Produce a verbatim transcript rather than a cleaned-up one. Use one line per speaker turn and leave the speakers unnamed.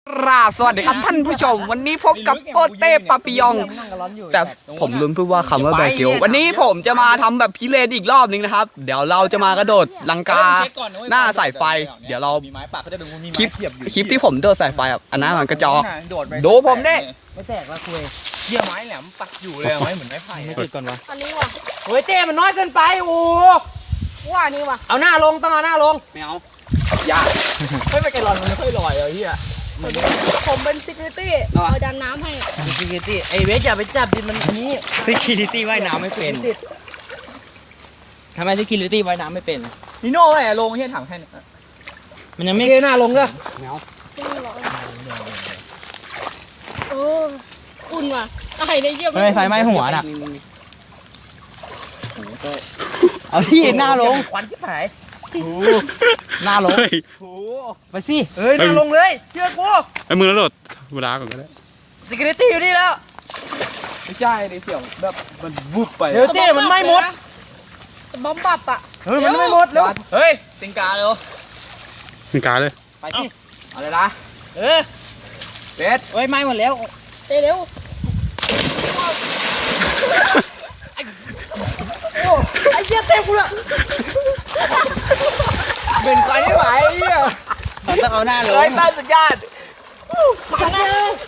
ราบสวัสดีครับท่านผู้ชมวันนี้พบกับโอเต้ปาปิยองแต่ผมลืมพูดว่าคำว่าแบเกลวันนี้ผมจะมาทำแบบพิเรนอีกรอบนึงนะครับเดี๋ยวเราจะมากระโดดลังกาหน้าสายไฟเดี๋ยวเราคลิปคลิปที่ผมโดดสายไฟอันนั้นมันกระจอกดูผมเนี่ย
ไม่แตกละคุย
เยี่ยไม้แหลมปักอยู่เลยไม้เหมือนไม้ไผ่
ไม่ติดก่อนวะ
อันนี้ว่ะ
เฮ้ยเต้มันน้อยเกินไปโอ้
ว่านี่ว่ะ
เอาหน้าลงต้องเอาหน้าลง
ไม่เอายาก
ไม่ไปไกลลอนมันไม่ค่อยลอยเลยเฮีย
ผมเป็นซิกริตี้เอาดันน้ำให้
ซิกิตี้ไอเวสอย่าไปจับดิมันนี้ซิกิตี้ว่ายน้ำไม่เป็นทำไมซิกิตี้ว่ายน้ำไม่เป็น
นิโน่อะไรลงเฮียถังแค่นี้
มันยังไม่เทหน้าลงเลย
ไม่เอา
เอออุ่นว่ะไอ้ในเยี่ยม
ไม่ไฟไหม้หัวน่ะเอาที่หน้าลง
ควันที่หาย
หน้าลงไปสิเฮ้ยหน้าลงเลยเชื่อกู
ไอ้มือแล้วโดดเวลาก่อนก็ได้
ซิกิตี้อยู่นี่แล้ว
ไม่ใช่ในเสียงแบบมันวุบไป
เดี๋ยวเต้มันไม่หมด
บอมบับอ่ะ
เฮ้ยมันไม่หมดแล้ว
เฮ้ยสิงกาเร็ว
สิงกาเลย
ไปสิ
เอาเลยนะ
เออ
เบส
เฮ้ยไหม้หมดแล้ว
เร็วไอ้เหี้ยเต็มกูละ
เป็นไฟไม่ไหวเฮีย
ต้องเอาหน้าลง
ไอ้ต้านสุดยอด
มาแล้ว